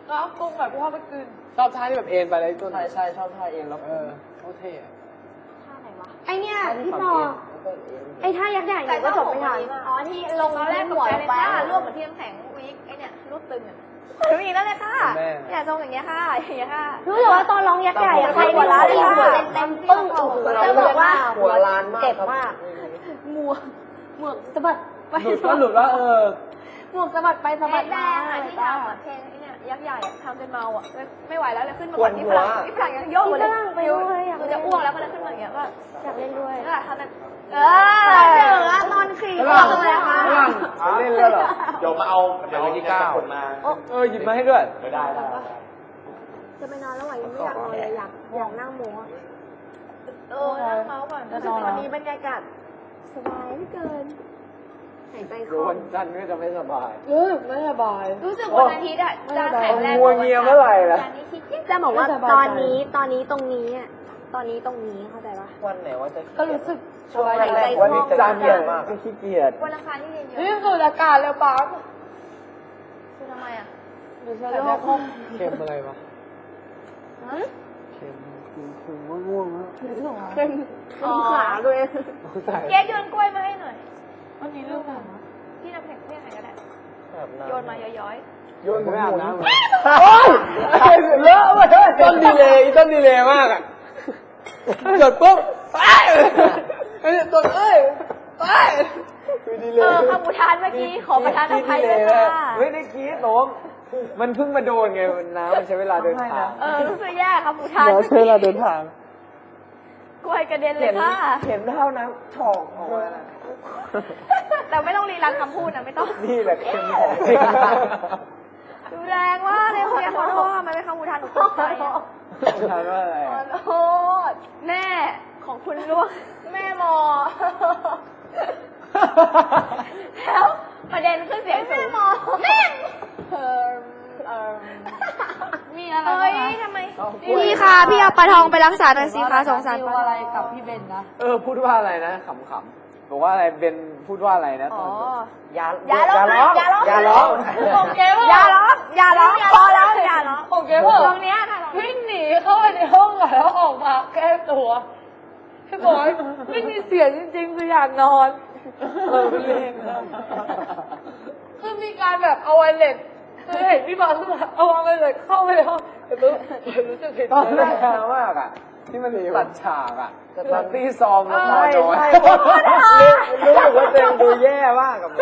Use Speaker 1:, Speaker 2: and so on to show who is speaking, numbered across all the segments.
Speaker 1: ก็เอากุ้งแบบพ่อไปกินชอบท่าที่แบบเอ็นไปเลยต้น
Speaker 2: ใช่ชอบท่าเองแล้ว
Speaker 1: เขาเท่
Speaker 3: ท่าไหนวะ
Speaker 4: ไอเนี่ยพี่ปอไอท่ายักษ์ใหญ่หนูก็จบไม่ทัน
Speaker 3: อ๋อที่ลงตอนแรกหัวเลยค่ะรวบเหมือนที่น้ำแข็งวิกไอเนี่ยรูปตึงอ่ะถึงอีกแล้วเลยค่ะเนี่ยทรงอย่างเงี้ยค่ะอย่างเงี้ยค่ะ
Speaker 4: รู้สึกว่าตอนร้องยักษ์ใหญ่อะใครหัวล้านเลยค่ะเต็มปึ้งจะบอกว่าหัวล้านมากเจ็บมากหมวกสะบัดไปห
Speaker 1: ลุดว่า
Speaker 4: หมวกสะบัดไปสะบัด
Speaker 3: แด
Speaker 4: มาง
Speaker 3: ที่ทำเพลงไอเนี่ยยักษ์ใหญ่ทำจนเมาอ่ะไม่ไหวแล้วเลยขึ้นมาก่อนที่ฝรั่งยังโยกเลยกูจะอ้วกแล้วก็เลยขึ้นมาอย่างเงี้ยว่า
Speaker 4: อยากเล่นด้วย
Speaker 3: ทำแบบ
Speaker 4: ตอนขี่
Speaker 1: อ้วกเลยค่ะเล่นแล้วเหรอ
Speaker 2: เดี๋ยวมาเอาที่9มา
Speaker 1: หยิบมาให้ด้วย
Speaker 2: ไม่ได้
Speaker 4: จะไปนอนแล้วไหวยังไม่อยากนอนเลยอยากนั่งโม้
Speaker 3: นั่งเมาก่อน
Speaker 4: ตอนนี้บรรยากาศสบายเหลือเกินหายใจคล่อง
Speaker 1: วันจันทร์ก็จะไม่สบาย
Speaker 4: ไม่สบาย
Speaker 3: รู้สึกวันอาทิตย์อ่ะจะแข็งแรง
Speaker 1: งัวเงียเมื่อไหร่ล่ะ
Speaker 4: จะบอกว่าตอนนี้ตรงนี้อ่ะตอนนี้ตรงนี้เข้าใจปะ
Speaker 2: วันไหนว่าจะ
Speaker 4: ก็รู้สึก
Speaker 2: ช่วงแรกวันนี้จะขี้เกียจมาก
Speaker 1: ขี้เกียจ
Speaker 3: วันอังคารที่เรียนเยอะ
Speaker 4: นี่สูดอากาศแล้วปั๊บ
Speaker 3: คือทำไมอ่ะ
Speaker 4: หรือเชื้อโรค
Speaker 1: เค็มอะไรวะเค็มคือง่วงแล้ว
Speaker 4: เป็นขาด้วย
Speaker 3: เก๊โยนกล้วยมาให้หน่อย
Speaker 4: วันนี้เรื่องอะไร
Speaker 3: ที่น้ำแข็งที่ไหนก็ได้โยนมาย้อย
Speaker 1: โยนไม่อาบน้ำโอ้ยเลอะเว้ยต้นดีเลยมากอ่ะหยดปุ๊บไอ้ต้นดีเลย
Speaker 3: คำอุทานเมื่อกี้ขอประทานอภัยด้วยค่ะ
Speaker 1: ไม่ได้คิดหรอกมันเพิ่งมาโดนไงน้ำมันใช้เวลาเดินทาง
Speaker 3: รู้สึกแย่คำอุทาน
Speaker 1: ใช้เวลาเดินทาง
Speaker 3: กล้วยกระเด็นเลยค่ะ
Speaker 1: เห็นเท่าน้ำฉอกออกมา
Speaker 3: แต่ไม่ต้องรีรันคำพูดนะไม่ต้อง
Speaker 1: นี่แหละเค็มของ
Speaker 3: ดูแรงว่าเลยคุณขอโทษมันเป็นคำอุทานหนูตกใจ
Speaker 1: อุทานว่าอะไร
Speaker 3: ขอโทษแม่ของคุณล่วงแม่มอแล้วประเด็นคือเสียงสูงแม่มีอะไรทำไมพี่คะพี่เอาปลาทองไปรักษาหน่อยสิคะสงสารปลา
Speaker 4: อะไรกับพี่เบนนะ
Speaker 1: พูดว่าอะไรนะขำๆบอกว่าอะไรเบนพูดว่าอะไรนะตอน
Speaker 3: อย่าร้อง
Speaker 4: ผมเก๋ว่า
Speaker 3: อย่าร้องพอแล้วอย่าร้อง
Speaker 4: ผมเก๋ว่า
Speaker 3: ตรงเนี้ยค่ะ
Speaker 4: วิ่งหนีเข้าไปในห้องแล้วออกมาแก้ตัวพี่บอยไม่มีเสียงจริงๆคืออยากนอน
Speaker 1: เป็นเล่น
Speaker 4: คือมีการแบบเอาไวเลสคือเห็นพี่บอลขึ้นมาเอาไวเลสเข้าไปในห้องแต่รู้สึกผิด
Speaker 1: ตอนแรกมากอ่ะที่มันตัดฉากอ่ะตัดที่ซองแล้วพอน้อยรู้สึกว่าตัวเองดูแย่มากกับ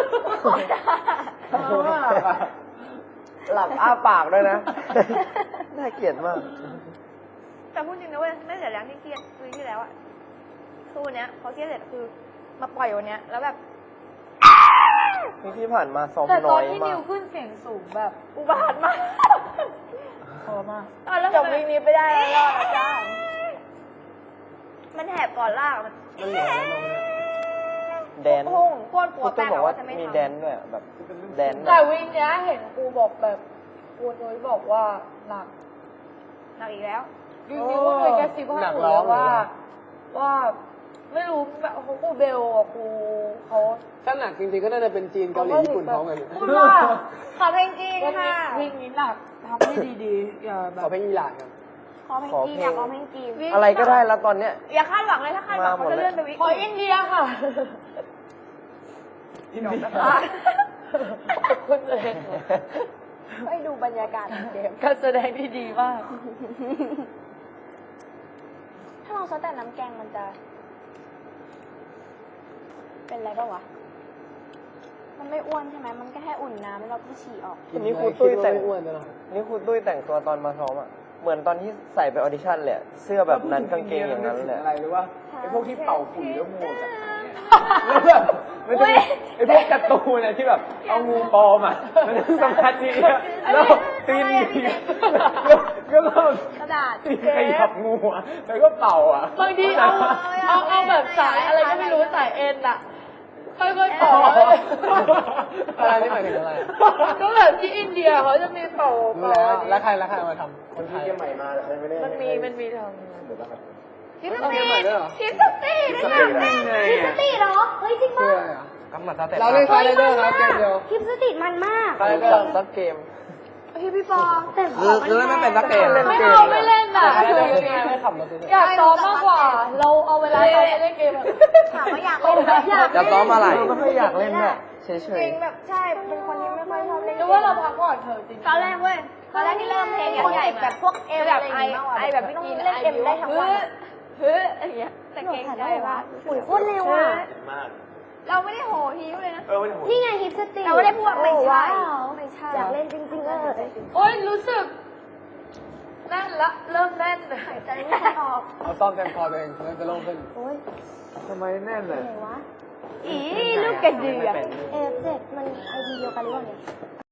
Speaker 1: หลับอ้าปากด้วยนะน่าเกลียดมาก
Speaker 3: แต่พูดจริงนะเว้ยไม่เสียแรงที่เครียดคือที่แล้วอ่ะคือวันเนี้ยพอเครียดเสร็จคือมาปล่อยวันเนี้ยแล้วแบบ
Speaker 2: ที่ผ่านมาซ้อม
Speaker 4: น้อยมากแต่ตอนที่นิวขึ้นเสียงสูงแบบ
Speaker 3: อุบาทมาก
Speaker 4: พอมาก
Speaker 3: จบวิ่งนี้ไปได้แล้วรอดนะจ้ามันแหบก่อนลากมัน
Speaker 2: แดน
Speaker 3: พุ่งโคตรกลัวแป้ง
Speaker 2: บอกว่ามีแดนด้วยแบบแดน
Speaker 4: แต่วิ่งเนี้ยเห็นครูบอกแบบครูนุ้ยบอกว่าหนัก
Speaker 3: อีกแล้ว
Speaker 4: จริงๆก็เคยแกซิบให้หนูแล้วว่าไม่รู้แบบครูเบลกับครูเขา
Speaker 1: ถ้าหนักจริงๆก็น่าจะเป็นจีนเกาหลีญี่ปุ่นท้องกัน
Speaker 4: พูดว่า
Speaker 3: ขอเพลงจีนค่ะ
Speaker 4: วิ่งนี้หนักทำให้ดีๆอย่าแบบ
Speaker 1: ขอเพลงอิหร่านครับ
Speaker 3: ขอเพลงจีนอยากขอเพลงจีน
Speaker 2: อะไรก็ได้แล้วตอนเนี้ย
Speaker 3: อย่าคาดหวังเลยถ้าคาดหวังเขาจะเลื่อนไปวิ
Speaker 4: ขออินเดียค่ะ
Speaker 1: อินเดีย
Speaker 4: คุณเลย
Speaker 3: ให้ดูบรรยากาศเกม
Speaker 4: การแสดงที่ดีมาก
Speaker 3: ถ้าเราซดแต่น้ำแกงมันจะเป็นอะไรบ้างวะมันไม่อ้วนใช่ไหมมันก็แค่อุ่นน้ำแล้วเราก็ฉี่ออก
Speaker 2: นี่ครูตุ้ยแต่งนี่ครูตุ้ยแต่งตัวตอนมาซ้อมอ่ะเหมือนตอนที่ใส่ไปออดิชั่นเลยเสื้อแบบนั้นกางเกงอย่างนั้นเลย
Speaker 1: อะไรรู้ว่าไอ้พวกที่เป่าฝุ่นแล้วงูกันแล้วแบบมันจะไอ้พวกการ์ตูนอะไรที่แบบเอางูปลอมอ่ะมันสมาธิแล้วตีนก็แบบ
Speaker 3: กระดาษ
Speaker 1: ขยับงูอ่ะแล้วก็เป่าอ่ะ
Speaker 4: บางทีเอาแบบสายอะไรก็ไม่รู้สายเอ็นอ่ะค่อยๆเป่า
Speaker 1: อะไรนี่หมายถึงอะไร
Speaker 4: ก็แบบที่อินเดียเขาจะมีเป่า
Speaker 1: แล้วใครมาทำคนไทย
Speaker 2: ใหม่มาไม่ได้
Speaker 4: มันมีทำ
Speaker 3: ทิสตี้เหรอเฮ้ยจริงป่ะ
Speaker 1: เราเล่นคาร์เดอร์ครับเกมเดียว
Speaker 4: ทิสตี้มันมาก
Speaker 2: คาร์เดอร์ซับเกม
Speaker 3: พี่ปอแต่
Speaker 1: คือไม่เป็นนักเตะ
Speaker 5: ไม่เอาไม่เล่นอ่ะ
Speaker 2: ไม่ขับรถ
Speaker 5: อยากซ้อมมากกว่า เราเอาเวลาซ้อมไปเล่นเกมอะ
Speaker 3: ถามว่าอยากเล่นไหม
Speaker 1: จะซ้อมอะไร
Speaker 2: เราก็ไม่อยากเล่นเนี่ยเฉ
Speaker 3: จ
Speaker 2: ย
Speaker 3: ริงแบบใช่เป็นคนที่ไม่ค่อยชอบเล่น
Speaker 5: หรือว่าเราพักก่อนเถอะจริง
Speaker 3: ตอนแรกเว้ยตอนแรกที่เริ่มเพลงคนติดแบบพวกเอวแบบไอแบบไม่ต้องเล่นเอ็มได้ทั้งวันอย่างเงี้ยแต่เก่งใจว่า
Speaker 4: ปุ๋ยโคตรเร็วอ่ะ
Speaker 3: เราไม่ได้โหฮิ้วเลยนะ
Speaker 4: นี่ไงฮิปสติ
Speaker 3: เราไม่ได้พูดไม่ใช่
Speaker 4: ไม่ใช่อยากเล่นจริงๆเลย
Speaker 5: โอ๊ยรู้สึกแน่นละเริ่มแน่น
Speaker 3: หายใจไม่ค่อยออก
Speaker 1: เอาซ่อมเต็มคอตัวเองมันจะโล่งขึ้น
Speaker 4: โอ้ย
Speaker 1: ทำไมแน่นเลย
Speaker 4: ไหนวะ
Speaker 3: อีลูกกระเดือก
Speaker 4: F7 มันไอดีเดียวกันหรือเปล่าเนี่ย